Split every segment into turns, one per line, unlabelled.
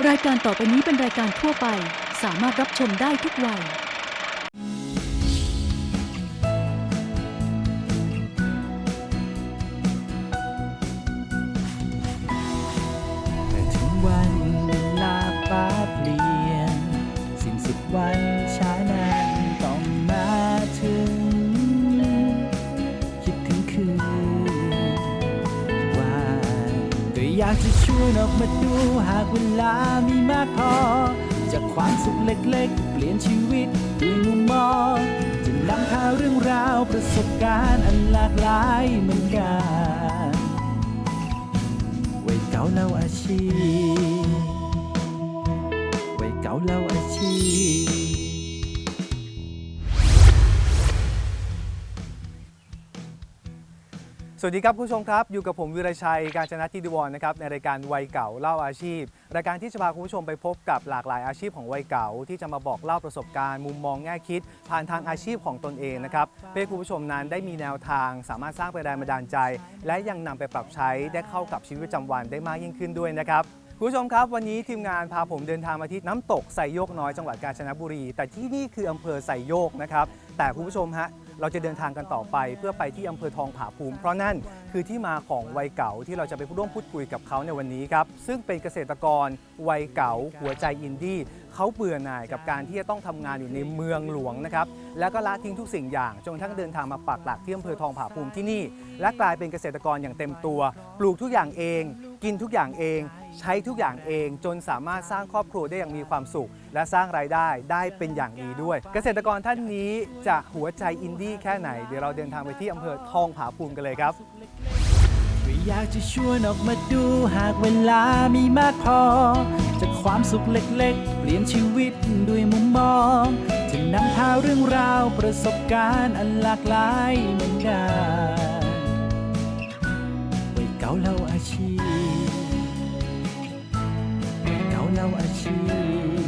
รายการต่อไปนี้เป็นรายการทั่วไปสามารถรับชมได้ทุกวัย
ถึงวันเวลาฟ้าเปลี่ยนสิ้นสุดวันช้านั้นต้องมาถึงคิดถึงคืนว่าก็อยากจะชวนออกมาดูหากเวลามีมากพอจากความสุขเล็กๆเปลี่ยนชีวิตด้วยมุมมองจะนำพาเรื่องราวประสบการณ์อันหลากหลายเหมือนกันวัยเก่าเล่าอาชีพวัยเก่าเล่าอาชีพ
สวัสดีครับคุณผู้ชมครับอยู่กับผมวิรชัยกาญจนทิติวรนะครับในรายการวัยเก่าเล่าอาชีพรายการที่จะพาคุณผู้ชมไปพบกับหลากหลายอาชีพของวัยเก่าที่จะมาบอกเล่าประสบการณ์มุมมองแง่คิดผ่านทางอาชีพของตนเองนะครับเพื่อให้คุณผู้ชมนั้นได้มีแนวทางสามารถสร้างแรงบันดาลใจและยังนำไปปรับใช้ได้เข้ากับชีวิตประจำวันได้มากยิ่งขึ้นด้วยนะครับคุณผู้ชมครับวันนี้ทีมงานพาผมเดินทางมาที่น้ำตกไซโยกน้อยจังหวัดกาญจนบุรีแต่ที่นี่คืออำเภอไซโยกนะครับแต่คุณผู้ชมฮะเราจะเดินทางกันต่อไปเพื่อไปที่อำเภอทองผาภูมิเพราะนั่นคือที่มาของวัยเก่าที่เราจะไปร่วมพูดคุยกับเขาในวันนี้ครับซึ่งเป็นเกษตรกรวัยเก่าหัวใจอินดี้เขาเบื่อหน่ายกับการที่จะต้องทำงานอยู่ในเมืองหลวงนะครับแล้วก็ละทิ้งทุกสิ่งอย่างจนกระทั่งเดินทางมาปักหลักที่อำเภอทองผาภูมิที่นี่และกลายเป็นเกษตรกรอย่างเต็มตัวปลูกทุกอย่างเองกินทุกอย่างเองใช้ทุกอย่างเองจนสามารถสร้างครอบครัวได้อย่างมีความสุขและสร้างรายได้ได้เป็นอย่างดีด้วยเกษตรกรท่านนี้จะหัวใจอินดี้แค่ไหนเดี๋ยวเราเดินทางไปที่อำเภอทองผาภูมิกันเลยครับ
ก็อยากจะชวนออกมาดูหากเวลามีมากพอจากความสุขเล็กๆเปลี่ยนชีวิตด้วยมุมมองจะนำพาเรื่องราวประสบการณ์อันหลากหลายเหมือนกันวัยเก่าเล่าอาชีพวัยเก่าเล่าอาชีพ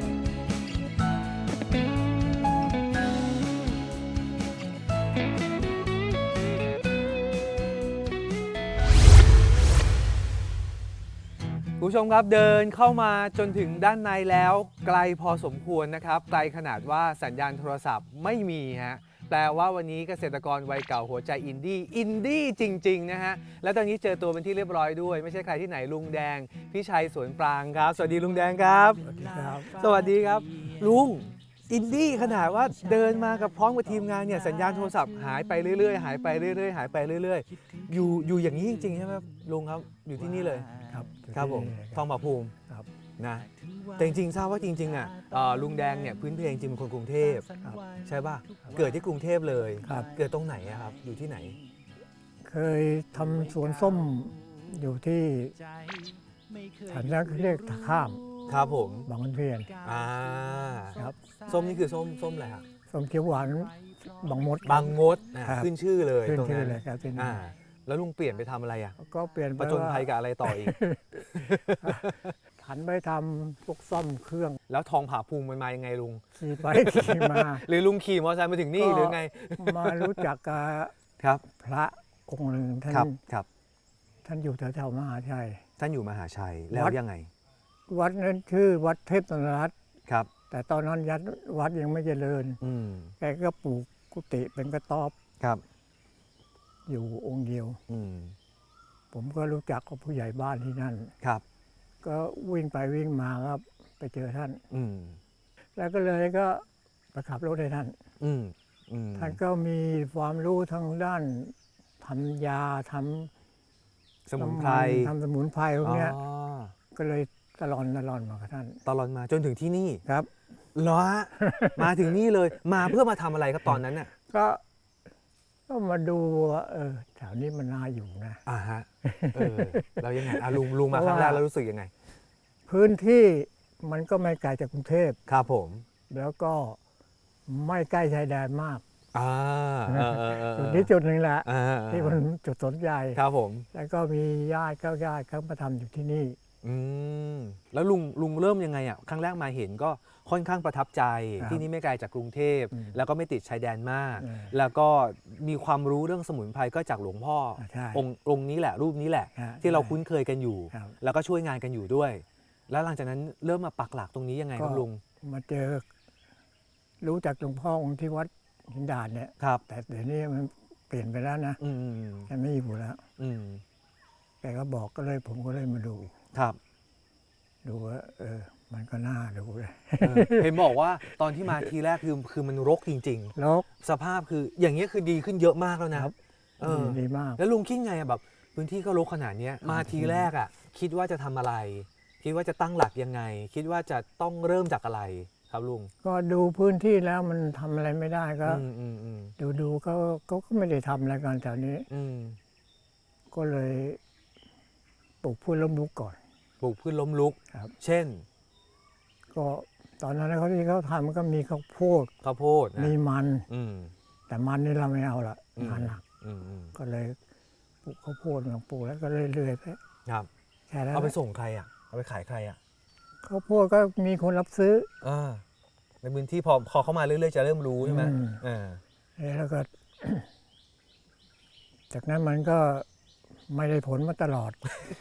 คุณผู้ชมครับเดินเข้ามาจนถึงด้านในแล้วไกลพอสมควรนะครับไกลขนาดว่าสัญญาณโทรศัพท์ไม่มีฮะแปลว่าวันนี้เกษตรกรวัยเก่าหัวใจอินดี้จริงๆนะฮะและตอนนี้เจอตัวเป็นที่เรียบร้อยด้วยไม่ใช่ใครที่ไหนลุงแดงพี่ชัยสวนปรางครับสวัสดีลุงแดงครับสวัสดีครับสวัสดีครับลุงอินดี้ขนาดว่าเดินมากับพร้อมกับทีมงานเนี่ยสัญญาณโทรศัพท์หายไปเรื่อยๆหายไปเรื่อยๆหายไปเรื่อยๆอยู่อย่างนี้จริงๆใช่ไหมลุงครับอยู่ที่นี่เลยครับผมทองผาภูมินะแต่จริงๆทราบว่าจริงๆอ่ะลุงแดงเนี่ยพื้นเพลงจริงเป็นคนกรุงเทพใช่ป่ะเกิดที่กรุงเทพเลยเกิดตรงไหนอะครับอยู่ที่ไหน
เคยทำสวนส้มอยู่ที่ฐานนักเรียกท่าข้าม
ครับผม
บางขุนเทียน
ครับส้มนี่คือส้มอะไรครับ
ส้มเขียวหวานบางมด
ขึ้นชื่อเลยตรงนั้น
เลยครับ
แล้วลุงเปลี่ยนไปทำอะไรอ่ะ
ก็เปลี่ยน
ประจนภัยกับอะไรต่ออีก
หันไปทำพวกซ่อมเครื่อง
แล้วทองผาภูมิมันมายังไงลุง
ขี่ไปขี่มา
หรือลุงขี่มอเตอร์ไซค์มาถึงนี่หรือไง
มารู้จักกับพระองค์หนึ่งท่านอยู่แถวๆมหาชัย
ท่านอยู่มหาชัยแล้วยังไง
วัดนั้นชื่อวัดเทพนรัตน์
ครับ
แต่ตอนนั้นวัดยังไม่เจริญแกก็ปลูกกุฏิเป็นกระต๊อบ
ครับ
อยู่องค์เดียวผมก็รู้จักกับผู้ใหญ่บ้านที่นั่น
ครับ
ก็วิ่งไปวิ่งมาครับไปเจอท่านแล้วก็เลยก็ไปขับรถให้ท่านท่านก็มีความรู้ทางด้านทำยาท
ำสมุนไพร
พวกนี้ก็เลยตลอดมากับท่าน
ตลอดมาจนถึงที่นี่
ครับ
เหรอมาถึงนี่เลยมาเพื่อมาทำอะไรครับตอนนั้นน่ะ
ก็มาดูว่าแถวนี้มันน่าอยู่นะ
ฮะเรายังไงลุงมาครั้งแรกแล้วรู้สึกยังไง
พื้นที่มันก็ไม่ไกลจากกรุงเทพ
ครับผม
แล้วก็ไม่ใกล้ชายแดนมากจุดนี้จุดหนึ่งแหละที่มันจุดสนใจ
ครับผม
แล้วก็มีญาติเขามาทำอยู่ที่นี่
แล้วลุงเริ่มยังไงอ่ะครั้งแรกมาเห็นก็ค่อนข้างประทับใจที่นี่ไม่ไกลจากกรุงเทพแล้วก็ไม่ติดชายแดนมากแล้วก็มีความรู้เรื่องสมุนไพรก็จากหลวงพ่อองค์นี้แหละรูปนี้แหละที่เราคุ้นเคยกันอยู่แล้วก็ช่วยงานกันอยู่ด้วยแล้วหลังจากนั้นเริ่มมาปักหลักตรงนี้ยังไงครับลุง
มาเจอ รู้จักหลวงพ่อองค์ที่วัดหินดาดเนี่ย
ครับ
แต่เดี๋ยวนี้มันเปลี่ยนไปแล้วนะ
อืม
แกไม่อยู่แล้ว
อืม
แกก็บอกก็เลยผมก็เลยมาดู
ครับ
ดูว่ามันก็น่าดูเลย
เห็นบอกว่าตอนที่มาทีแรกคือมันรกจริง
ลก
ๆ สภาพคืออย่างเงี้ยคือดีขึ้นเยอะมากแล้วนะครับ
ดีมาก
แล้วลุงคิดไงอะแบบพื้นที่ก็รกขนาดเนี้ยมาทีแรกอะคิดว่าจะทำอะไร คิดว่าจะตั้งหลักยังไง คิดว่าจะต้องเริ่มจากอะไรครับลุง
ก็ดูพื้นที่แล้วมันทำอะไรไม่ได้ก็
อืม
ดูก็ไม่ได้ทำอะไรกันแถวนี้ ก็เลยปลูกพืชล้มลุกก่อน
ปลูกพืชล้มลุก
ครับ
เช่น
ก็ตอนนั้นเขาที่เขาทำก็มีข้าวโพด
ข้าวโพดนะ
มีมัน
อืม
แต่มันนี่เราไม่เอาละ
อืม
งานหนัก
อืม
ก็เลยปลูกข้าวโพดมาปลูกแล้วก็เรื่อยๆไป
ครับ
แค่นั้น
เอาไปส่งใครอะเอาไปขายใครอะ
ข้าวโพดก็มีคนรับซื้อ
ในพื้นที่พอเข้ามาเรื่อยๆจะเริ่มรู้ใช่ไหม
แล้วก็ จากนั้นมันก็ไม่ได้ผลมาตลอด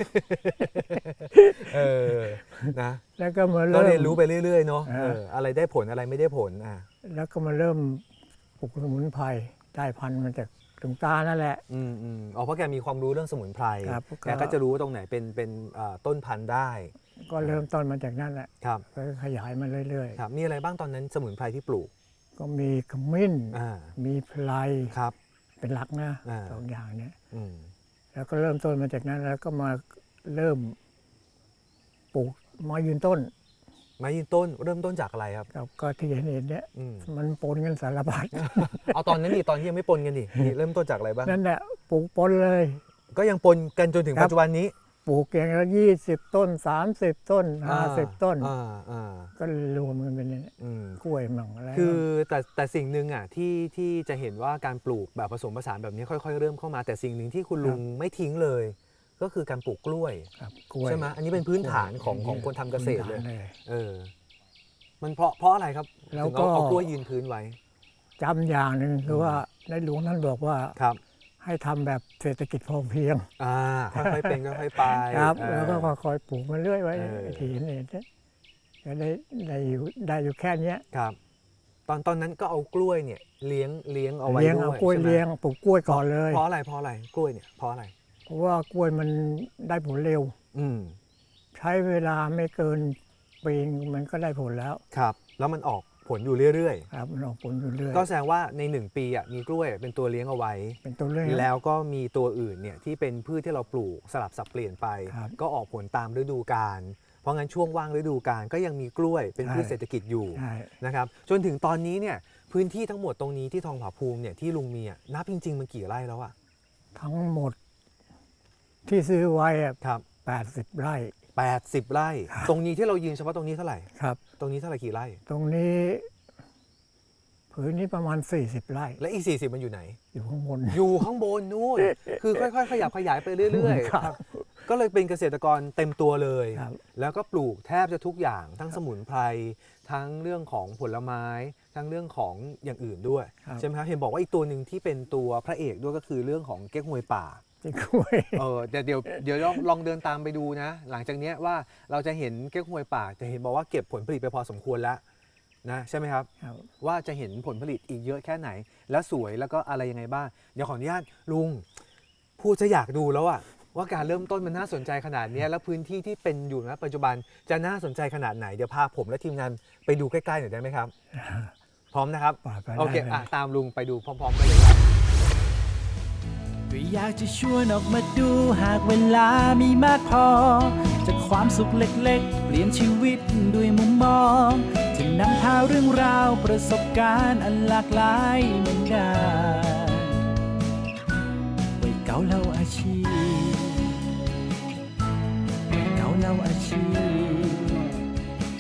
นะ
แล้วก็มา
ก็
เริ่ม
เรียนรู้ไปเรื่อยๆเนาะ
อ่า
อะไรได้ผลอะไรไม่ได้ผล
แล้วก็มาเริ่มปลูกสมุนไพรได้พันธุ์มาจากหลวงตานั่นแหละ
อ๋อเพราะแกมีความรู้เรื่องสมุนไพร
ครับ
แกก็จะรู้ว่าตรงไหนเป็นต้นพันธุ์ได้
ก็เริ่มต้นมาจากนั่นแหละ
ครับ
ก็ขยายมาเรื่อย
ครับมีอะไรบ้างตอนนั้นสมุนไพรที่ปลูก
ๆ ก็มีขมิ้น
อ่า
มีไพร
ครับ
เป็นหลักนะ
อ่า
สองอย่างเนี้ย
อืม
แล้วก็เริ่มต้นมาจากนั้นแล้วก็มาเริ่มปลูกไม้ยืนต้น
ไม้ยืนต้นเริ่มต้นจากอะไรครับ
ก็ที่เห็นเนี่ย
อืม
มันปนกันสารพัด
เอาตอนนั้นดิตอนที่ยังไม่ปนกันดินี่เริ่มต้นจากอะไรบ้าง
นั่นแหละปลูกปนเลย
ก็ยังปนกันจนถึง
ครับ
ปัจจุบันนี้
ปลูกอย่างละ20 ต้น 30 ต้น 50 ต้น ก็รวมกันเป็นเนี่ย
อืม
กล้วยมั่งอะไร
คือแต่สิ่งหนึ่งอ่ะที่จะเห็นว่าการปลูกแบบผสมผสานแบบนี้ค่อยๆเริ่มเข้ามาแต่สิ่งหนึ่งที่คุณลุงไม่ทิ้งเลย ก็คือการปลูกกล้วย
ครับกล้วย
ใช่ไหมอันนี้เป็นพื้นฐานของ
กล้วย
คนทำเกษตรเลย
พื้นฐาน
มันเพราะอะไรครับ
แล้ว
ถึง
ก็
เอากล้วยยืนพื้นไว้
จำอย่างหนึ่งคือว่าในหลวงท่านบอกว่า
ครับ
ให้ทำแบบเศรษฐกิจพอเพียง
ค่อยๆเป็นค่อยๆไป
ครับ
อ่า
แล้วก็ค่อยๆปลูกมาเรื่อยไว้ ที่เห็นก็ได้อยู่แค่เนี้ย
ครับ ตอนนั้นก็เอากล้วยเนี่ยเลี้ยงเอาไว้
เลี้ยง
ด้
เอา
วย
กล้วย
ใช่ไหม
เลี้ยงปลูกกล้วยก่อนเลย
เพราะอะไรกล้วยเนี่ยเพราะอะไร
เพราะว่ากล้วยมันได้ผลเร็ว
อืม
ใช้เวลาไม่เกินปีนึงมันก็ได้ผลแล้ว
ครับ แล้วมันออกผลอยู่เรื่อย
ครับมันออกผลอยู่เรื่อย
ๆก็แสดงว่าใน1 ปีมีกล้วยเป็นตัวเลี้ยงเอาไว้
เป็นตัวเรื่อง
แล้วก็มีตัวอื่นเนี่ยที่เป็นพืชที่เราปลูกสลับสับเปลี่ยนไป
ครับ
ก็ออกผลตามฤดูกาลเพราะงั้นช่วงว่างฤดูกาลก็ยังมีกล้วยเป็นพืช
ใช่
เศรษฐกิจอยู่
ใช่
นะครับจนถึงตอนนี้เนี่ยพื้นที่ทั้งหมดตรงนี้ที่ทองผาภูมิเนี่ยที่ลุงมีนับจริงๆมันกี่ไร่แล้วอะ
ทั้งหมดที่ซื้อไว้อะ
ครับ
80 ไร่
80 ไร่ ตรงนี้ที่เรายืนเฉพาะตรงนี้เท่าไหร่
ครับ
ตรงนี้เท่าไหร่กี่ไร่
ตรงนี้ผืนนี้ประมาณ 40 ไร่
และอีก40มันอยู่ไหน
อยู่ข้างบน
อยู่ข้างบนนู่น คือค่อยๆ ขยับขยายไปเรื่อย
ครับ
ๆ ก็เลยเป็นเกษตรกรเต็มตัวเลย
ครับ
แล้วก็ปลูกแทบจะทุกอย่างทั้งสมุนไพรทั้งเรื่องของผลไม้ ทั้งเรื่องของอย่างอื่นด้วย
ครับ
ใช่ไหมครับเห็นบอกว่าอีกตัวหนึ่งที่เป็นตัวพระเอกด้วยก็คือเรื่องของเก๊กฮวยป่า
ที่กล้วย
เดี๋ยวลองเดินตามไปดูนะ หลังจากเนี้ยว่าเราจะเห็นเก๊กฮวยป่าจะเห็นบอกว่าเก็บผลผลิตไปพอสมควรแล้วนะใช่ไหมครับ
ครับ
ว่าจะเห็นผลผลิตอีกเยอะแค่ไหน แล้วสวยแล้วก็อะไรยังไงบ้างเดี๋ยวขออนุญาตลุงพูดจะอยากดูแล้วอะว่าการเริ่มต้นมันน่าสนใจขนาดเนี้ยแล้วพื้นที่ที่เป็นอยู่นะปัจจุบันจะน่าสนใจขนาดไหนเดี๋ยวพาผมและทีมงานไปดูใกล้ๆหน่อยได้ไหมครับ พร้อมนะครับ
ไปได้
โอเค
เลย
ตามลุงไปดูพร้อมๆกันเลยครับ
ก็อยากจะชวนออกมาดูหากเวลามีมากพอ จากความสุขเล็กๆ เปลี่ยนชีวิตด้วยมุมมอง จะนำพาเรื่องราวประสบการณ์อันหลากหลายเหมือนกันวัยเก่าเล่าอาชีพวัยเก่าเล่าอาชีพ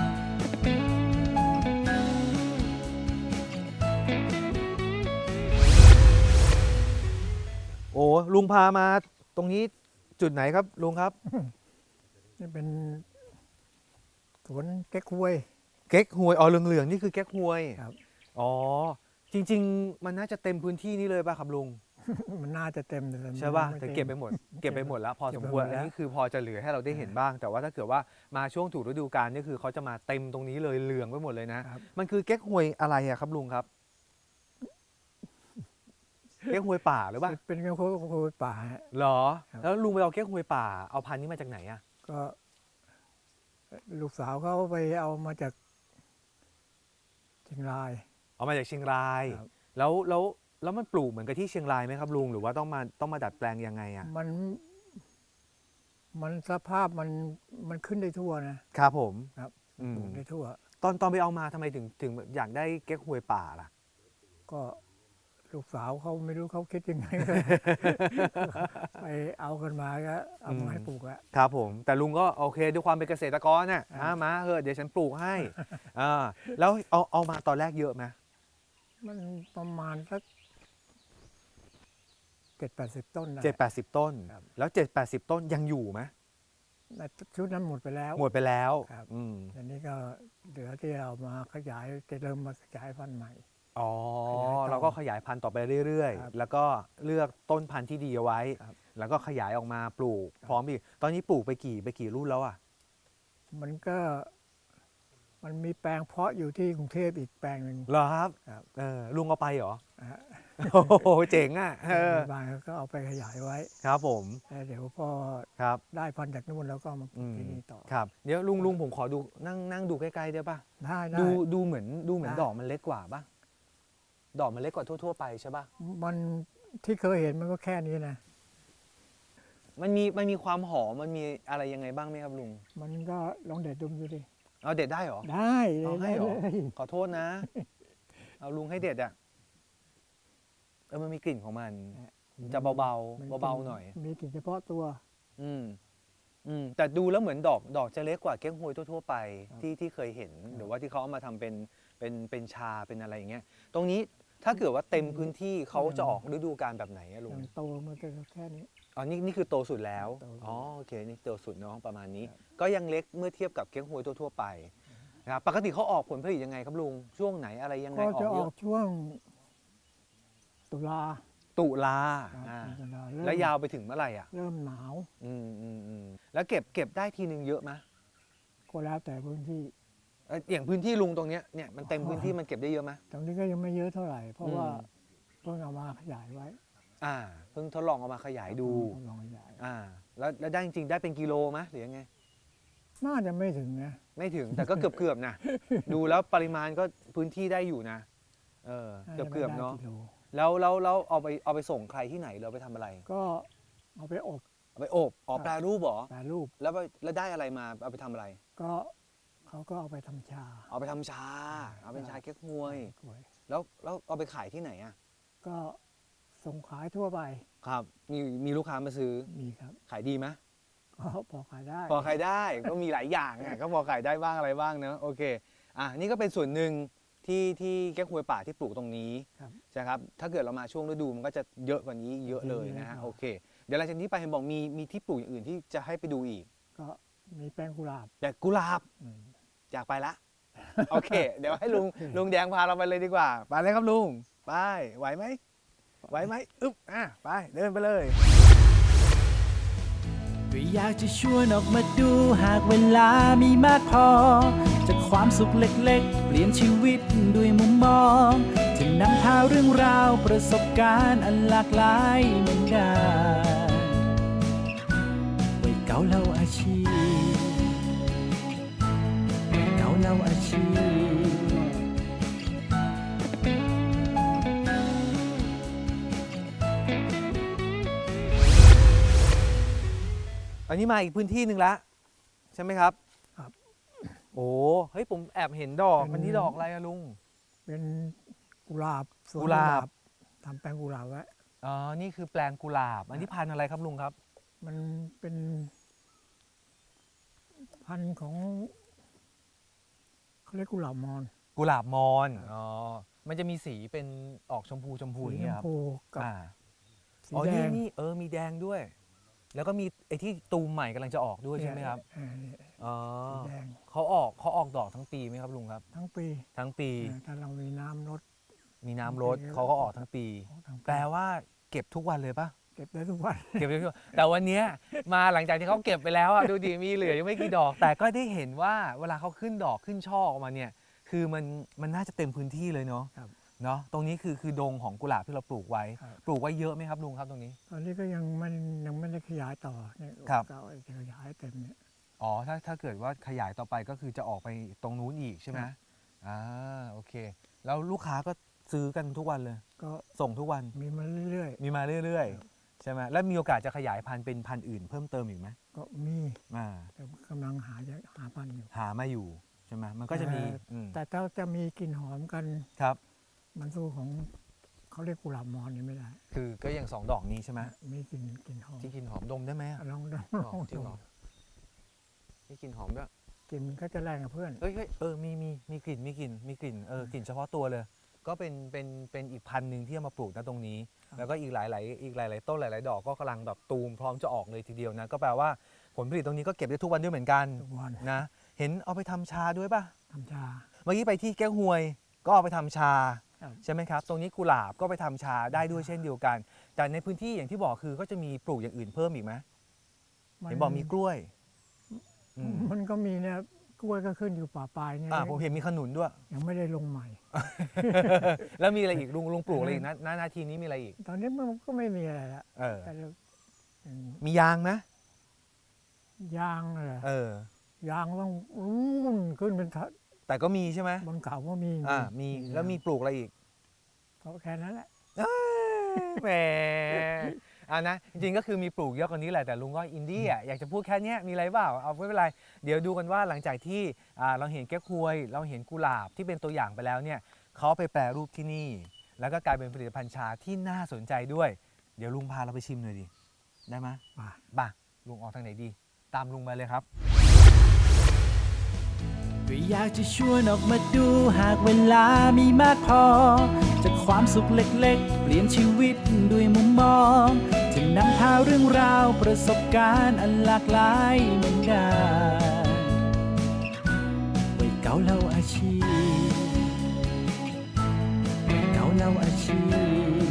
โอ้ลุงพามาตรงนี้จุดไหนครับลุงครับ
นี่เป็นสวนแก้กล้วย
เก๊กฮวยอ๋อเหลืองๆนี่คือเก๊กฮวย
ครับ
อ๋อจริงๆ มันน่าจะเต็มพื้นที่นี้เลยป่ะครับลุง
มันน่าจะเต็มแต่มัน
ใช่ป่ะ
ม่
แต่
ต็ม
เก็บไปหมด เก็บไปหมดแล้วพอสมควร
เก็บไปหมดแล้ว
อันนี้คือพอจะเหลือให้เราได้เห็นบ้าง แต่ว่าถ้าเกิดว่ามาช่วงถูกฤดูกาลนี่คือเขาจะมาเต็มตรงนี้เลยเหลืองไปหมดเลยนะ
ครับ
มันคือเก๊กฮวยอะไรอะครับลุงครับ เก๊กฮวยป่าหรือเปล่า
เป็นกระโคป่าฮะ
เหรอ
ครับ
แล้วลุงไปเอาเก๊กฮวยป่าเอาพันธุ์นี้มาจากไหนอะ
ก็ลูกสาวเขาไปเอามาจากเชียงราย
เอามาจากเชียงราย
ครับ
แล้วมันปลูกเหมือนกับที่เชียงรายไหมครับลุงหรือว่าต้องมาดัดแปลงยังไงอะ
มันสภาพมันขึ้นได้ทั่วนะครับ
ผม
ครับ
อืม
ปลูกได้ทั่ว
ตอนไปเอามาทำไมถึงอยากได้เก๊กฮวยป่าล่ะ
ก็ลูกสาวเขาไม่รู้เขาคิดยังไง ไปเอากันมาก็เอามาให้ปลูกอะ
ครับผมแต่ลุงก็โอเคด้วยความเป็นเกษตรกรน่ะมาเถอะเดี๋ยวฉันปลูกให้ แล้วเอามาตอนแรกเยอะไหม
มันประมาณสัก70-80 ต้นนะ
7-80 ต้น
ครับ
แล้ว7-80 ต้นยังอยู่ไหม
ในชุดนั้นหมดไปแล้ว
หมดไปแล้ว
ครับ
อืม
อันนี้ก็เหลือที่เอามาขยายจะเริ่มมาขยายพันธุ์ใหม่
อ๋อ
ขยายต่อ
เราก็ขยายพันธุ์ต่อไปเรื่อย
ครับ
ๆ แล้วก็เลือกต้นพันธุ์ที่ดีเอาไว้
ครับ
แล้วก็ขยายออกมาปลูก
ครับ
พร้อมอีกตอนนี้ปลูกไปกี่รุ่นแล้วอ่ะ
มันมีแปลงเพาะอยู่ที่กรุงเทพอีกแปลงหนึ่ง
เหรอครับ
ครับ
ลุงเอาไปเหรอ
นะฮะ
โอ้โหเจ๋งอ่ะ
บางก็เอาไปขยายไว้
ครับผม
แล้วเดี๋ยวพอ
ครับ
ได้พันธุ์จากนู่นแล้วก็มาปลูกที่นี่ต่อ
ครับเดี๋ยวลุงผมขอดูนั่งดูใกล้ๆได้ป่ะ
ได้ได้
ดูเหมือน
ได้
ดอกมันเล็กกว่าป่ะดอกมันเล็กกว่าทั่วๆไปใช่ป่ะ
มันที่เคยเห็นมันก็แค่นี้นะ
มันมีความหอมมันมีอะไรยังไงบ้างไหมครับลุง
มันก็ลองเด็ดดมดูดิ
เอาเด็ดได้เหรอ
ได้
เอาให้เหรอ
ได้เลย
ขอโทษนะ เอาลุงให้เด็ดอ่ะมันมีกลิ่นของมัน จะเบา
มัน
ๆเบาๆหน่อย
มีกลิ่นเฉพาะตัว
อืมแต่ดูแล้วเหมือนดอกจะเล็กกว่าเก๊กฮวยทั่วๆไป
ครับ
ที่เคยเห็นหรือว่าที่เขาเอามาทำเป็นชาเป็นอะไรอย่างเงี้ย ตรงนี้ถ้าเกิดว่าเต็มพื้นที่เขาจะออกฤดูกาลแบบไหนอะลุ
อง ย่างโตมันก็แค่นี้
อ๋อนี่คือโตสุดแล้ว
โตสุด
อ๋อโอเคนี่โตสุดเนาะประมาณนี้
ครับ
ก็ยังเล็กเมื่อเทียบกับเก๊กฮวยทั่วๆไปนะครับปกติเขาออกผลผลิตยังไงครับลุงช่วงไหนอะไรยังไง
ก็
ออก
จะอ
เย
อก
อะ
ช่วงตุลา
ตุลา
ครับ
อ่า
ตุลาเริ่ม
แล้วยาวไปถึงเมื่อไหร่อ่ะ
เริ่มหนาว
แล้วเก็บได้ทีนึงเยอะไหม
ก็แล้วแต่พื้นที่
อย่างพื้นที่ลุงตรงเนี้ยเนี่ยมันเต็มพื้นที่มันเก็บได้เยอะไหม
ตรงนี้ก็ยังไม่เยอะเท่าไหร่ เพราะ
อืม
ว่าเพิ่งเอามาขยายไว้
เพิ่งทดลองเอามาขยายดู
ทดลองขยาย
แล้วได้จริงๆได้เป็นกิโลไหมหรือยังไง
น่าจะไม่ถึงนะ
ไม่ถึงแต่ก็เกือบๆนะ ดูแล้วปริมาณก็พื้นที่ได้อยู่นะเกือบๆเนาะ
จไม่ได้กิโล
แล้วเอาไปส่งใครที่ไหนเราไปทำอะไร
ก็เอาไปอบ
เอาไปอบแปรรูปเหรอ
แปรรูป
แล้วได้อะไรมาเอาไปทำอะไร
ก็เขาก็เอาไปทำชา
เอาไปทำชา เอาเป็นชาเก๊กฮวย
กล้วย
แล้วเอาไปขายที่ไหนอ่ะ
ก็ส่งขายทั่วไป
ครับมีลูกค้ามาซื้อ
มีครับ
ขายดีไหม
ก็พอขายได้
พอขายได้ก็มีหลายอย่างอ่ะก็พอขายได้บ้างอะไรบ้างเนอะโอเคนี่ก็เป็นส่วนหนึ่งที่แก้กฮวยป่าที่ปลูกตรงนี้
ครับ
ใช่ครับถ้าเกิดเรามาช่วงฤดูมันก็จะเยอะกว่านี้เยอะเลยนะฮะโอเค เดี๋ยวหลังจากนี้ไปเห็นบอกมีที่ปลูกอย่างอื่นที่จะให้ไปดูอีก
ก็มีแป้งกุหลาบ
แต่กุหลาบ
อืม
อยากไปละ โอเค เดี๋ยวให้ลุงแดงพาเราไปเลยดีกว่าไปเลยครับลุงไปไหวไหมอึ๊บไปเดินไปเลย
ก็อยากจะชวนออกมาดูหากเวลามีมากพอ จากความสุขเล็กๆ เปลี่ยนชีวิตด้วยมุมมอง จะนำพาเรื่องราวประสบการณ์อันหลากหลายเหมือนกันวัยเก่าเล่าอาชีพวัยเก่าเล่าอาชีพ
อันนี้มาอีกพื้นที่หนึ่งละใช่ไหมครับ
ครับ
โอ้เฮ้ยผมแอบเห็นดอกมันนี่ดอกอะไรอะลุง
เป็นกุหลาบสวน
กุหลาบ
ทำแป้งกุหลาบไว้
อ๋อนี่คือแปลงกุหลาบ อันนี้พันธุ์อะไรครับลุงครับ
มันเป็นพันธุ์ของเขาเรียกกุหลาบมอน
กุหลาบมอนอ๋อมันจะมีสีเป็นออกชมพูอ
สี
ย่าง
ช
เงี้
ม
ยครับ
พูกับ สี
อ๋อ
แด
นี่
ง
นี่มีแดงด้วย แล้วก็มีไอ้ที่ตูมใหม่กำลังจะออกด้วยใช่ไหมครับ
เนี่ย
อ๋อ
สีแดง
เขาออกดอกทั้งปีไหมครับลุงครับ
ทั้งปี
ทั้งปี
ถ้าเรามีน้ำลด
มีน้ำรดเขาก็ออกทั้งปี
ออกทั้งปี
แปลว่าเก็บทุกวันเลยปะ
เก็บได้ทุกวัน
เก็บได้ทุกวันแต่วันเนี้ยมาหลังจากที่เขาเก็บไปแล้วอ่ะดูดิมีเหลือยังไม่กี่ดอก แต่ก็ได้เห็นว่าเวลาเขาขึ้นดอกขึ้นช่อออกมาเนี่ยคือมันน่าจะเต็มพื้นที่เลยเนาะ
ครับ
เนาะตรงนี้คือดงของกุหลาบที่เราปลูกไว้
ครับ
ปลูกไว้เยอะไหมครับลุงครับตรงนี้
ตอนนี้ก็ยังไม่ได้ขยายต่อเนี่ย
ครับ
ก็จะขยายเต็มเนี่ย
อ๋อถ้าเกิดว่าขยายต่อไปก็คือจะออกไปตรงนู้นอีกใช่ไหม
ครับ
โอเค แล้วลูกค้าก็ซื้อกันทุกวันเลย
ก็
ส่งทุกวัน
มีมาเรื่อย
มีมาเรื่อยๆใช่ไหมแล้วมีโอกาสจะขยายพันธุ์เป็นพันธุ์อื่นเพิ่มเติมอีกไหม
ๆ ก็มี
อ่า
แต่กำลังหาพันธุ์อยู่
หามาอยู่ใช่ไหมมันก็จะมีอืม
แต่ถ้าจะมีกลิ่นหอมกัน
ครับ
มันสู้ของเขาเรียกกุหลาบมอนนี่ไม่ได้
คือก็อย่าง2 ดอกนี้ใช่ไหม
มีกลิ่นหอม
ที่กลินหอมดมได้ไหมอะ
ลอง
อ๋อจริงเหรอมีกลิ่นหอมด้วย
กลิ่นก็จะแรงกับเพื่อน
เฮ้ยมีกลิ่นกลิ่นเฉพาะตัวเลย ก็เป็นอีกพันธุ์หนึ่งที่เอามาปลูกนะตรงนี้
ครับ
แล้วก็อีกหลายต้นหลายๆดอกก็กำลังแบบตูมพร้อมจะออกเลยทีเดียวนะก็แปลว่าผลผลิตตรงนี้ก็เก็บได้ทุกวันด้วยเหมือนกัน
ทุกวัน
นะเห็นเอาไปทำชาด้วยป่ะ
ทำชา
เมื่อกี้ไปที่แก้วหวย ก็เอาไปทำชา
ครับ
ใช่ไหมครับ ตรงนี้กุหลาบก็ไปทำชาได้ด้วยเช่นเดียวกัน แต่ในพื้นที่อย่างที่บอกคือก็จะมีปลูกอย่างอื่นเพิ่มอีกไหมเห็นบอกมีกล้วยอืม
มันก็มีเนี่ยกล้วยก็ขึ้นอยู่ป่าปลายเนี่ย
ผมเห็นมีขนุนด้วย
ยังไม่ได้ลงใหม่
แล้วมีอะไรอีกลุงปลูกอะไรอีกนะนาทีนี้มีอะไรอีก
ตอนนี้มันก็ไม่มีอะไรละ
เออ
แต่เราอืม
มียางนะ
ยางเหรอ
เออ
ยางต้องรุ่นขึ้นเป็นทะ
แต่ก็มีใช่ไหม
บนเขาก็มี
มีแล้วมีปลูกอะไรอีก
ก็แค่นั้นแหละ
แหมนะจริงๆก็คือมีปลูกเยอะกว่านี้แหละแต่ลุงก็อินดี้อ่ะอยากจะพูดแค่เนี้ยมีอะไรเปล่าเอาไม่เป็นไรเดี๋ยวดูกันว่าหลังจากที่เราเห็นแก้วควยเราเห็นกุหลาบที่เป็นตัวอย่างไปแล้วเนี่ยเขาเอาไปแปรรูปที่นี่ แล้วก็กลายเป็นผลิตภัณฑ์ชาที่น่าสนใจด้วย เดี๋ยวลุงพาเราไปชิมหน่อยดิได้ไหม
ป่า
บ่าลุงออกทางไหนดี ตามลุงมาเลยครับ
ก็อยากจะชวนออกมาดูหากเวลามีมากพอ จากความสุขเล็กๆ เปลี่ยนชีวิตด้วยมุมมองจะนำพาเรื่องราวประสบการณ์อันหลากหลายเหมือนกันวัยเก่าเล่าอาชีพวัยเก่าเล่าอาชีพ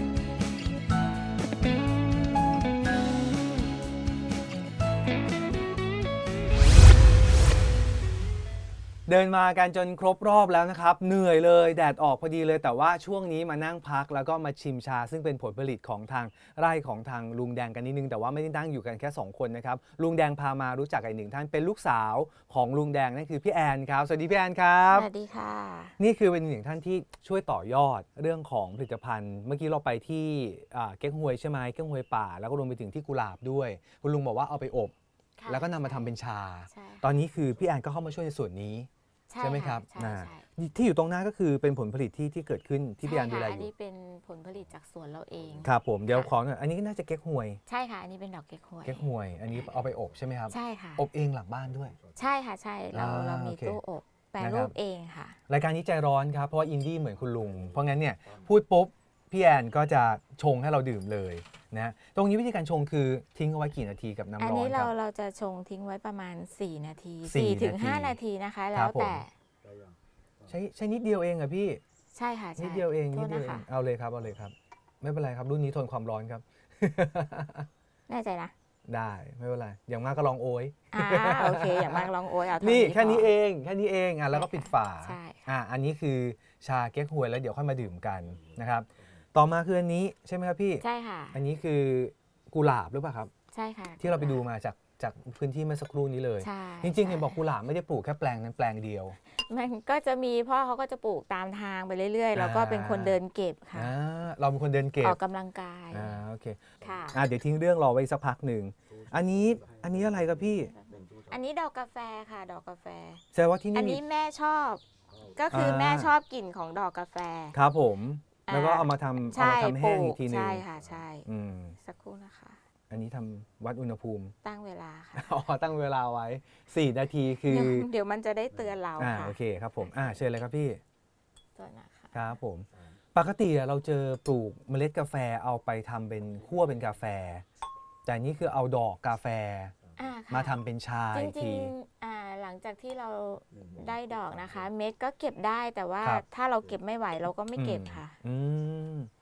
เดินมากันจนครบรอบแล้วนะครับเหนื่อยเลยแดดออกพอดีเลยแต่ว่าช่วงนี้มานั่งพักแล้วก็มาชิมชา ซึ่งเป็นผลผลิตของทางไร่ของทางลุงแดงกันนิดนึงแต่ว่าไม่ได้นั่งอยู่กันแค่2คนนะครับลุงแดงพามารู้จักอีกหนึ่งท่านเป็นลูกสาวของลุงแดงนั่นคือพี่แอนครับสวัสดีพี่แอนครับ
สวัสดีค่ะ
นี่คือเป็นหนึ่งท่านที่ช่วยต่อยอดเรื่องของผลิตภัณฑ์ เมื่อกี้เราไปที่เก๊กฮวยใช่ไหมเก๊กฮวยป่าแล้วก็รวมไปถึงที่กุหลาบด้วยคุณลุงบอกว่าเอาไปอบ
ค่ะ
แล้วก็นำมาทำเป็นชา
ใช่
ตอนนี้คือพี่แอนก็เข้ามาช่วยในส่วนนี้ ใช่ไหมครับ
ใช่ใช่
ที่อยู่ตรงหน้าก็คือเป็นผลผลิตที่เกิดขึ้นที่พี่แอนดูแล
ใช่ค่ะ
อ
อัน
ยู่
นี้เป็นผลผลิตจากสวนเราเอง
ครับผมเดี๋ยว
ค่ะ
ขอหน่อยอันนี้น่าจะเก๊กฮวย
ใช่ค่ะ อันนี้เป็นดอกเก๊กฮวย
เก๊กฮวย อันนี้เอาไปอบใช่ไหมครับ
ใช่ค่ะ
อบเองหลังบ้านด้วย
ใช่ค่ะ ใช่เรามี
โอเค
ตู้อบแปร
นะครับ
รูปเองค่ะ
รายการนี้ใจร้อนครับเพราะว่าอินดี้เหมือนคุณลุงเพราะงั้นเนี่ยพูดปุ๊บพี่แอนก็จะชงให้เราดื่มเลยนะตรงนี้วิธีการชงคือทิ้งเอาไว้กี่นาทีกับน้ำ
อัน
ร้อน
นี้
ครับ
เราจะชงทิ้งไว้ประมาณ4 นาที
4
4 ถึง
นาที
5 นาทีนะคะ
ค
แล้
รั
ว
บผม
แต่
ใช้นิดเดียวเองอะพี่
ใช่ค่ะใช่
นิดเดียวเอง
โท
นิ
ษ
ดเดียว
นะ
เอ
คะ
งเอาเลยครับไม่เป็นไรครับรุ่นนี้ทนความร้อนครับ
แน่ใจนะ
ได้ไม่เป็นไรอย่างมากก็ลองโอย
โอเค อย่างมากลองโอยเอาเท่า
นี่
นี้
แค่นี้
พ
เองแค่นี้เองแล้วก็ปิดฝา
ใช่ค่ะ
อันนี้คือชาเก๊กฮวยแล้วเดี๋ยวค่อยมาดื่มกันนะครับต่อมาคืออันนี้ใช่ไหมครับพี่
ใช่ค่ะ
อันนี้คือกุหลาบหรือเปล่าครับ
ใช่ค่ะ
ที่เราไปดูมาจากพื้นที่เมื่อสักครู่นี้เลย
ใช่
จริงๆเห็นบอกกุหลาบไม่ได้ปลูกแค่แปลงนั้นแปลงเดียว
มันก็จะมีพ่อเขาก็จะปลูกตามทางไปเรื่อยๆ แล้วก็เป็นคนเดินเก็บค่ะ
เราเป็นคนเดินเก็บ
ออกกำลังกาย
โอเค
ค่ะ
เดี๋ยวทิ้งเรื่องรอไว้สักพักหนึ่งอันนี้อะไรครับพี่
อันนี้ดอกกาแฟค่ะดอกกาแฟ
แสดงว่าที่
อั
นี่
น
มี
นี้แม่ชอบ ก็คือแม่ชอบกลิ่นของดอกกาแฟ
ครับผม
อ่า
แล้วก็เอามาทำ
ใช่
แห้งอีกทีหนึง
ใช่ค่ะใช่
อืม
สักครู่นะคะ
อันนี้ทำวัดอุณหภูมิ
ตั้งเวลาค่ะ
ตั้งเวลาไว้ 4 นาทีคือ
เดี๋ยวมันจะได้เตือนเราค่ะ
โอเคครับผมเชิญเลยครับพี่
ตัวนะคะ
ครับผม ปกติเราเจอปลูกเมล็ดกาแฟเอาไปทำเป็นคั่วเป็นกาแฟ แต่นี่คือเอาดอกกาแฟ
ค่ะ
มาทำเป็นชา
จ
อีก
ริ
ที
งๆหลังจากที่เราได้ดอกนะคะ เม็ดก็เก็บได้แต่ว่า
ครับ
ถ้าเราเก็บไม่ไหวเราก็ไม่เก็บค่ะ
อืม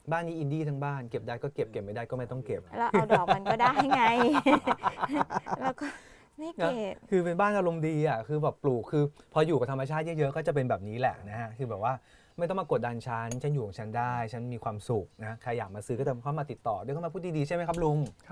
บ้านนี้อินดี้ทั้งบ้านเก็บได้ก็เก็บไม่ได้ก็ไม่ต้องเก็บ
เราเอาดอกมันก็ได้ไง แล้วก็ไม่เก็บ
คือเป็นบ้านอารมณ์ดีอ่ะคือแบบปลูกคือพออยู่กับธรรมชาติเยอะๆก็จะเป็นแบบนี้แหละนะฮะคือแบบว่าไม่ต้องมากดดันฉันอยู่ของฉันได้ฉันมีความสุขนะใครอยากมาซื้อก็เข้ามาติดต่อด้วยเข้ามาพูดดีๆใช่ไหมครับลุง
ครับ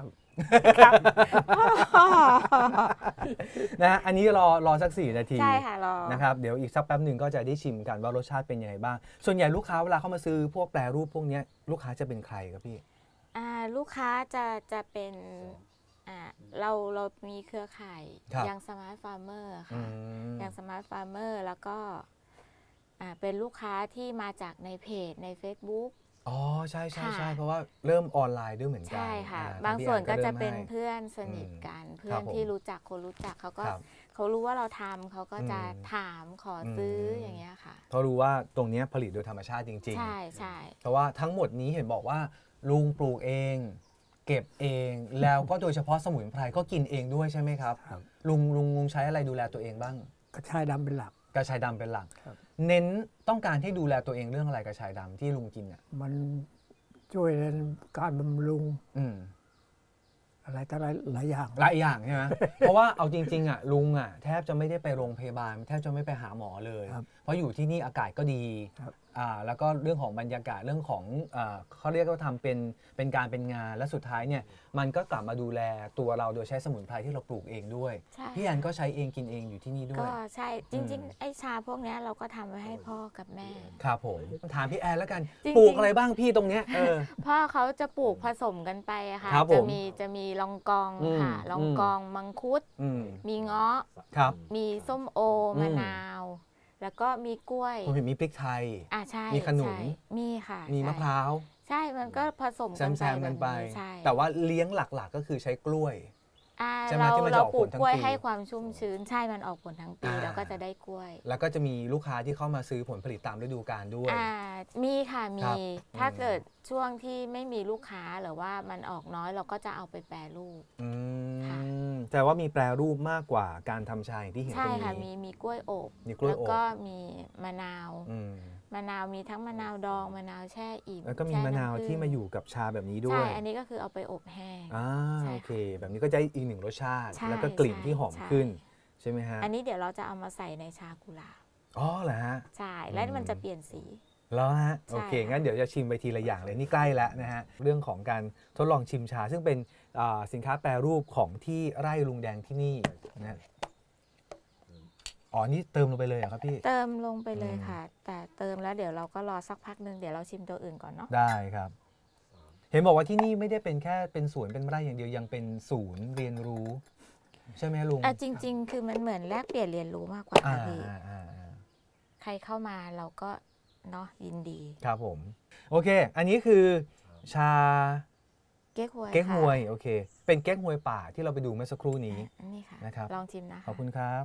นะฮะอันนี้รอสัก4 นาที
ใช่ค่ะรอ
นะครับเดี๋ยวอีกสักแป๊บหนึ่งก็จะได้ชิมกันว่ารสชาติเป็นยังไงบ้างส่วนใหญ่ลูกค้าเวลาเข้ามาซื้อพวกแปรรูปพวกเนี้ยลูกค้าจะเป็นใครครับพี่
ลูกค้าจะเป็นเรามีเครือข่าย
ครับ
ยังสมาร์ทฟาร์มเมอร์
อื
ค่ะ
ม
ยังสมาร์ทฟาร์มเมอร์แล้วก็เป็นลูกค้าที่มาจากในเพจใน Facebook
อ๋อใช่
ค่ะ
เพราะว่าเริ่มออนไลน์ด้วยเหมือนกัน
ใช่ค่ะ
ท
บาง
พี่
ส่วน
แอ
ก็จะ
ริ่ม
เป็น
ให้
เพื่อนสนิทกัน เพื่
ครั
อน
บผม
ที่รู้จักคนรู้จักเขาก็
ครับ
เขารู้ว่าเราทำเขาก็จะ
อืม
ถามขอซื้อ
ม
อย่างเงี้ยค่ะ
เขารู้ว่าตรงเนี้ยผลิตโดยธรรมชาติจริง
ใช่ใช่
ๆ เพราะว่าทั้งหมดนี้เห็นบอกว่าลุงปลูกเอง เก็บเอง แล้วก็โดยเฉพาะสมุนไพรก็กินเองด้วยใช่ไหมครับ
ครับ
ลุงใช้อะไรดูแลตัวเองบ้าง
กระชายดำเป็นหลัก
กระชายดำเป็นหลัก
ครับ
เน้นต้องการให้ดูแลตัวเองเรื่องอะไรกระชายดำที่ลุงกินอ่ะ
มันช่วยในการบำรุง
อืม
อะไรต่ออะไรหลายอย่าง
หลายอย่างใช่ไหม เพราะว่าเอาจริงๆอ่ะลุงอ่ะแทบจะไม่ได้ไปโรงพยาบาลแทบจะไม่ไปหาหมอเลย
ครับ
เพราะอยู่ที่นี่อากาศก็ดี
ครับ
แล้วก็เรื่องของบรรยากาศเรื่องของเขาเรียกว่าทำเป็นการเป็นงานและสุดท้ายเนี่ยมันก็กลับมาดูแลตัวเราโดยใช้สมุนไพรที่เราปลูกเองด้วย
ใช่
พี่แอนก็ใช้เองกินเองอยู่ที่นี่ด้ว
ก็
ย
ใช่จริงๆไอ้ชาพวกเนี้ยเราก็ทำไว้ให้พ่อกับแม่
ครับผมถามพี่แอนแล้วกัน
จริงๆ
ปลูกอะไรบ้างพี่ตรงเนี้ย
พ่อเขาจะปลูกผสมกันไปอะค่ะ
ครับผม
จะมีลองกอง
อืม
ค่ะลองกองมังคุด
อืม
มีเงาะ
ครับ
มีส้มโอ
อืม
มะนาว แล้วก็มีกล้วย
ผมเห็นมีพริกไทย
ใช่
มีขนุน
ใช่มีค่ะ
มี
ใช่
มะพร้าว
ใช่มันก็ผสม
แ
กันไป
ซมๆกันไป
แบบใช่
แต่ว่าเลี้ยงหลักๆก็คือใช้กล้วย ใช่ไหม
เรา
ที่มันจะ
เรา
ออก
ปลู
ผ
ก
ลทั้ง
กล้วย
ปี
ให้ความชุ่มชื้น ใช่มันออกผลทั้งปีแล้วก็จะได้กล้วย
แล้วก็จะมีลูกค้าที่เข้ามาซื้อผลผลิตตามฤดูกาลด้วย
มีค่ะ
ค
มี
รับ
ถ้าเกิดช่วงที่ไม่มีลูกค้าหรือว่ามันออกน้อยเราก็จะเอาไปแปรรูป
อื
ค่ะ
มแต่ว่ามีแปรรูปมากกว่าการทำชาอย่างที่เห็นต
ใช่
รง
ค่ะ
นี้
มีกล้วยอบ
มีกล้วย
แล้ว
อบ
ก็มีมะนาว
อืม
มะนาวมีทั้งมะนาวดองมะนาวแช่อิ่ม
แล้วก็มี
แช่
มะนาว
ำผึ้ง
ที่มาอยู่กับชาแบบนี้ด้ว
ใช่
ย
อันนี้ก็คือเอาไปอบแห้ง ใช่
โอเค แบบนี้ก็จะอีกหนึ่งรสชาติ
ใช่
แล้วก็กลิ่นที่หอม
ใช่
ขึ้น ใช่ไหมฮะ
อันนี้เดี๋ยวเราจะเอามาใส่ในชากุหลาบ
อ๋อเหรอฮะ
ใช่แล้วมันจะเปลี่ยนสี
แล้วฮะ
ใช่
โอเค
ค่ะ
งั้นเดี๋ยวจะชิมไปทีละอย่างเลยนี่ใกล้แล้วนะฮะเรื่องของการทดลองชิมชา ซึ่งเป็นสินค้าแปรรูปของที่ไร่ลุงแดงที่นี่นะอ๋อนี่เติมลงไปเลยเหรอครับพี่
เติมลงไปเลย
อืม
ค่ะ แต่เติมแล้วเดี๋ยวเราก็รอสักพักหนึ่งเดี๋ยวเราชิมตัวอื่นก่อนเนาะ
ได้ครับ เห็นบอกว่าที่นี่ไม่ได้เป็นแค่เป็นสวนเป็นไร่อย่างเดียวยังเป็นศูนย์เรียนรู้ ใช่ไหมลุง
จริง ๆ คือมันเหมือนแลกเปลี่ยนเรียนรู้มากกว่า
อ่า
ค่ะพี่
อ่า
ใครเข้ามาเราก็เนาะยินดี
ครับผม โอเค อันนี้คือชา
เก๊กฮวย
เก๊กฮวย
ค่ะ
โอเค เป็นเก๊กฮวยป่าที่เราไปดูเมื่อสักครู่นี้
อันนี้ค่ะ
นะครับ
ลองชิมนะ
ขอบคุณครับ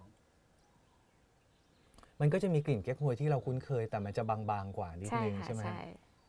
มันก็จะมีกลิ่นเก๊กฮวยที่เราคุ้นเคย แต่มันจะบางๆกว่านิด
ใช่
นึง
ค่ะ
ใช่ไหม
ใช่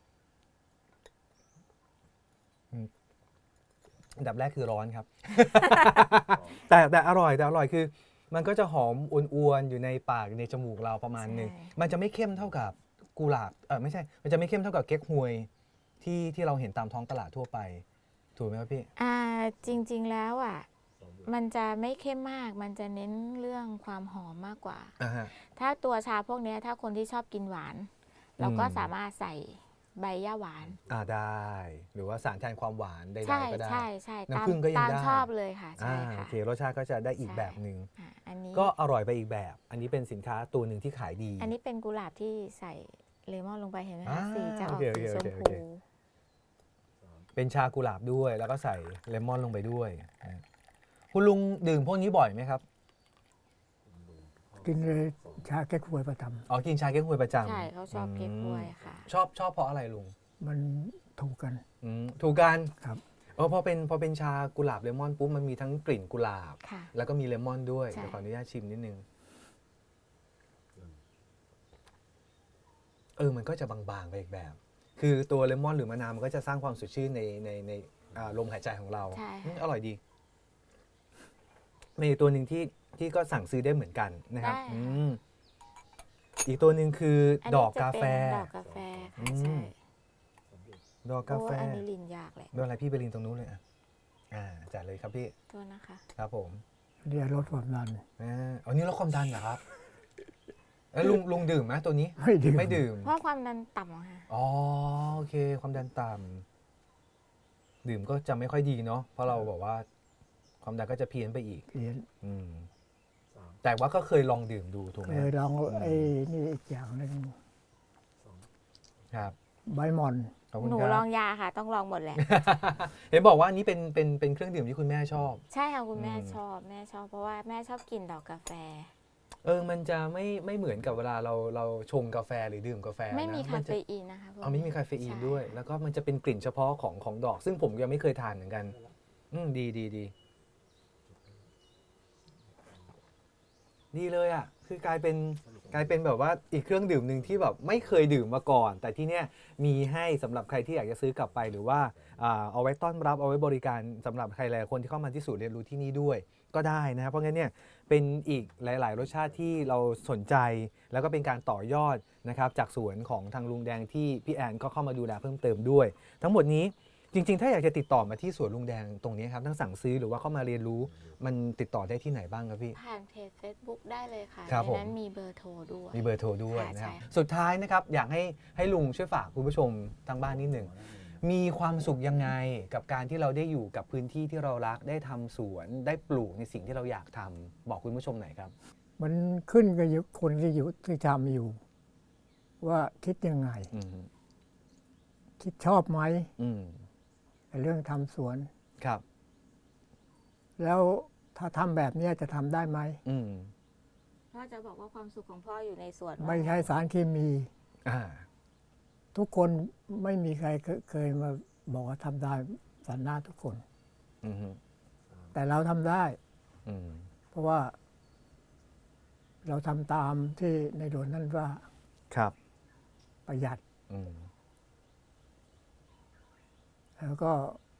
อันดับแรกคือร้อนครับ แต่อร่อยคือ มันก็จะหอมอ้วนๆอยู่ในปากในจมูกเราประมาณหนึง มันจะไม่เข้มเท่ากับกุหลาบไม่ใช่ มันจะไม่เข้มเท่ากับเก๊กฮวยที่เราเห็นตามท้องตลาดทั่วไป ถูกไหมครับพี่
จริง ๆแล้วมันจะไม่เข้มมาก มันจะเน้นเรื่องความหอมมากกว่า
ฮะ
ถ้าตัวชาพวกเนี้ยถ้าคนที่ชอบกินหวาน เราก็
อืม
สามารถใส่ใบย่าหวาน
ได้ หรือว่าสารแทนความหวานใด
ใช่
ๆก็ได้
ใช่ใช่
น้ำ
ตาม
ผึ้งก็ยัง
ตาม
ได้
ชอบเลยค่ะ ใช่
โอ
ค่ะ
เครสชาติก็จะได้อีก
ใช่
แบบหนึ่ง
อันนี้
ก็อร่อยไปอีกแบบ อันนี้เป็นสินค้าตัวหนึ่งที่ขายดี
อันนี้เป็นกุหลาบที่ใส่เลมอนลงไปเห็นไหม
อ่า
คะสีจะออก
โอเค
สีชม
โอเค
พู
เป็นชากุหลาบด้วย แล้วก็ใส่เลมอนลงไปด้วยนะคุณลุงดื่มพวกนี้บ่อยไหมครับ
กินเลยชาแก้ควยประจ
อ๋อ กินชาเก๊กฮวยประจำ
ใช่เขาชอบเก๊กฮวยค่ะ
ชอบเพราะอะไรลุง
ำมันถูกกัน
ถูกกัน
ครับ
พอเป็นชากุหลาบเลมอนปุ๊บมันมีทั้งกลิ่นกุหลาบ
ค่ะ
แล้วก็มีเลมอนด้วย
ใช่
เดี๋ยวขออนุญาตชิมนิดนึง มันก็จะบางๆไปอีกแบบ คือตัวเลมอนหรือมะนาวมันก็จะสร้างความสดชื่นในลมหายใจของเรา
ใช่ค่ะ
อร่อยดีมีอีกตัวหนึ่งที่ก็สั่งซื้อได้เหมือนกันนะครับ
ได้ค่ะ
อีกตัวหนึ่งคือ
อัน
ด
นี้
อก
จะ
กาแฟ
เป็นดอกกาแฟค่ะใช่
ดอกกาแฟ
โอ้อันนี้ลินยากเลย
โดนอะไรพี่ไปลินตรงนู้นเลยจัดเลยครับพี่
ตัวนะคะ
ครับผม
เรียกลดความดัน
อันนี้ลดความดันเหรอครับแล้วลุงดื่มไหมตัวนี้
ไม่ดื่ม
ไม่ดื่ม
เพราะความดันต่ำอะค่ะ
อ๋อโอเคความดันต่ำดื่มก็จะไม่ค่อยดีเนาะเพราะเราบอกว่าความดันก็จะเพี้ยนไปอีก
เพี้ยน
แต่ว่าก็เคยลองดื่มดูถูกไหม
เคยลองไอ้นี่อีกอย่างหนึ่ง
ครับ
ใบหม่อน
ขอบคุณ
หนู
ครับ
ลองยาค่ะ ต้องลองหมดแหละ
เห็นบอกว่าอันนี้เป็นเครื่องดื่มที่คุณแม่ชอบ
ใช่ค่ะคุณแม่ชอบเพราะว่าแม่ชอบกินดอกกาแฟ
มันจะไม่เหมือนกับเวลาเราชงกาแฟหรือดื่มกาแฟ
ไม่มี
นะ
คา
จะ
เฟอีนนะคะพวก
ไม่มีคาเฟอีน
ใช่
ด้วย แล้วก็มันจะเป็นกลิ่นเฉพาะของดอก ซึ่งผมยังไม่เคยทานเหมือนกันดีเลยอ่ะคือกลายเป็นแบบว่าอีกเครื่องดื่มหนึ่งที่แบบไม่เคยดื่มมาก่อน แต่ที่เนี้ยมีให้สำหรับใครที่อยากจะซื้อกลับไปหรือว่าเอาไว้ต้อนรับเอาไว้บริการสำหรับใครหลายคนที่เข้ามาที่ศูนย์เรียนรู้ที่นี่ด้วยก็ได้นะครับเพราะงั้นเนี่ยเป็นอีกหลาย ๆ รสชาติที่เราสนใจแล้วก็เป็นการต่อยอดนะครับจากสวนของทางลุงแดงที่พี่แอนก็เข้ามาดูแลเพิ่มเติมด้วย ทั้งหมดนี้จริง ๆ ถ้าอยากจะติดต่อมาที่สวนลุงแดงตรงนี้ครับทั้งสั่งซื้อหรือว่าเข้ามาเรียนรู้มันติดต่อได้ที่ไหนบ้างครับพี่
ผ่านเพจ Facebook ได้เลยค่ะ
ครับ
ใน
ผม
นั้นมีเบอร์โทรด้วย
มีเบอร์โทรด้วย
ค่ะ
นะครับ
ใช่
สุดท้ายนะครับอยากให้ลุงช่วยฝากคุณผู้ชมทางบ้านนิดหนึ่งมีความสุขยังไงกับการที่เราได้อยู่กับพื้นที่ที่เรารักได้ทำสวนได้ปลูกในสิ่งที่เราอยากทำบอกคุณผู้ชมหน่อยครับ
มันขึ้นกับคนที่อยู่ที่ทำอยู่ ว่าคิดยังไง คิดชอบไหมในเรื่องทำสวน
ครับ
แล้วถ้าทำแบบนี้จะทำได้ไหม
พ่อจะบอกว่าความสุขของพ่ออยู่ในสวน
ไม่ใช่สารเคมี ทุกคนไม่มีใครเคยมาบอกว่าทำได้สันหน้าทุกคน แต่เราทำได้ เพราะว่า เราทำตามที่ในหลวงท่านว่า
ครับ
ประหยัด แล้วก็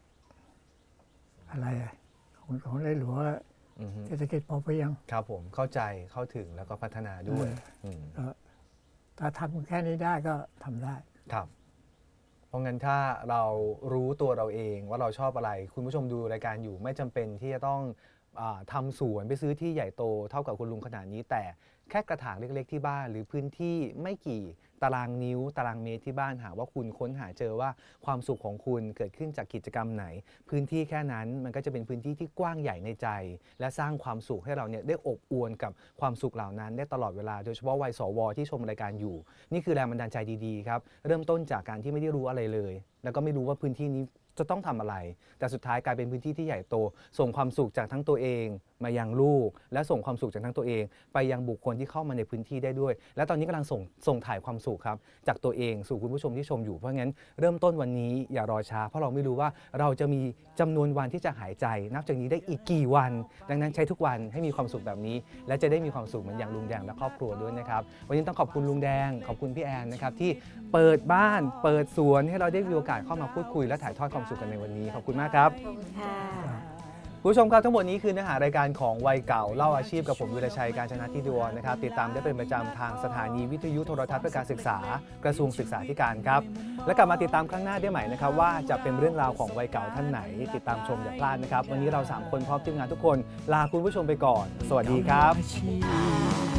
อะไรของในหลวงเศรษฐกิจพอเพียง
ครับผมเข้าใจเข้าถึงแล้วก็พัฒนาด้วย
ถ้าทำแค่นี้ได้ก็ทำได้
ครับ เพราะงั้นถ้าเรารู้ตัวเราเองว่าเราชอบอะไร คุณผู้ชมดูรายการอยู่ไม่จำเป็นที่จะต้องทำสวนไปซื้อที่ใหญ่โตเท่ากับคุณลุงขนาดนี้ แต่แค่กระถางเล็กๆที่บ้านหรือพื้นที่ไม่กี่ตารางนิ้วตารางเมตรที่บ้านหาว่าคุณค้นหาเจอว่าความสุขของคุณเกิดขึ้นจากกิจกรรมไหน พื้นที่แค่นั้นมันก็จะเป็นพื้นที่ที่กว้างใหญ่ในใจ และสร้างความสุขให้เราเนี่ยได้อบอวลกับความสุขเหล่านั้นได้ตลอดเวลาโดยเฉพาะวัยสวที่ชมรายการอยู่นี่คือแรงบันดาลใจดีๆครับเริ่มต้นจากการที่ไม่ได้รู้อะไรเลยแล้วก็ไม่รู้ว่าพื้นที่นี้จะต้องทำอะไรแต่สุดท้ายกลายเป็นพื้นที่ที่ใหญ่โตส่งความสุขจากทั้งตัวเองมายังลูกและส่งความสุขจากทั้งตัวเองไปยังบุคคลที่เข้ามาในพื้นที่ได้ด้วยและตอนนี้กำลังส่งถ่ายความสุขครับจากตัวเองสู่คุณผู้ชมที่ชมอยู่เพราะงั้นเริ่มต้นวันนี้อย่ารอช้าเพราะเราไม่รู้ว่าเราจะมีจำนวนวันที่จะหายใจนับจากนี้ได้อีกกี่วันดังนั้นใช้ทุกวันให้มีความสุขแบบนี้และจะได้มีความสุขเหมือนอย่างลุงแดงและครอบครัวด้วยนะครับวันนี้ต้องขอบคุณลุงแดงขอบคุณพี่แอนนะครับที่เปิดบ้านเปิดสวนให้เราได้มีโอกาสเข้ามาพูดคุยและถ่ายทอดความสุขกันในวันนี้ขอบคุณมากครับ
ขอบคุณค่ะ
คุณผู้ชมครับทั้งหมดนี้คือเนื้อหารายการของวัยเก่าเล่าอาชีพกับผมวิรชัยการชนะทิดวรนะครับติดตามได้เป็นประจำทางสถานีวิทยุโทรทัศน์เพื่อการศึกษากระทรวงศึกษาธิการครับและกลับมาติดตามครั้งหน้าได้ใหม่นะครับว่าจะเป็นเรื่องราวของวัยเก่าท่านไหนติดตามชมอย่าพลาดนะครับวันนี้เรา3คนพร้อมทีมงานทุกคนลาคุณผู้ชมไปก่อนสวัสดีครับ